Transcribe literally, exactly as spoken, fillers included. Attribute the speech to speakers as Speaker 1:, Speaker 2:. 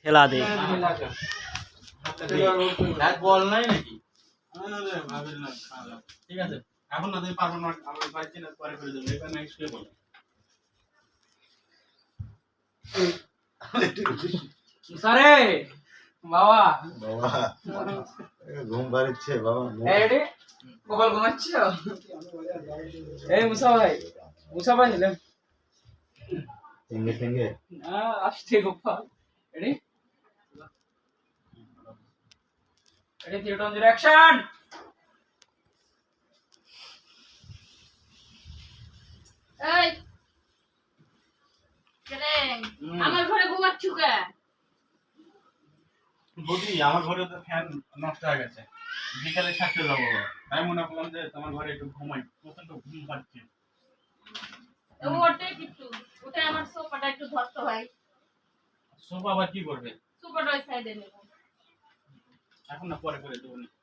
Speaker 1: ঠেলা দে
Speaker 2: বল নাই নাকি? আরে ভাবির না খারাপ। ঠিক আছে, এখন না তুমি পারবো না, আমরা পাইছি না, পরে করে দেবো। এবার নেক্সট কে বলো?
Speaker 3: সারে বাবা
Speaker 4: বাবা ঘুম পাড়ছে বাবা।
Speaker 3: এই রে কপাল ঘুমাচ্ছ? এই মুসা ভাই, মুসা ভাই নিলাম
Speaker 4: সঙ্গে সঙ্গে
Speaker 3: না আসছে Gopal. Ready ready theatre on action.
Speaker 5: এই কেরে আমার ঘরে ঘুমাচ্ছু কে?
Speaker 2: বৌদি, আমার ঘরে তো ফ্যান নষ্ট হয়ে গেছে, বিকালে থাকতে যাবো, তাই মনে করলাম যে তোমার ঘরে একটু ঘুমাই, প্রচন্ড ঘুম পাচ্ছে।
Speaker 5: ওটা কিছু ওটা আমার সোফাটা একটু ধরতে হয়।
Speaker 2: সোফা আবার কি করবে?
Speaker 5: সোফাটা ওই সাইডে নেব।
Speaker 2: এখন না, পরে করে দেবো।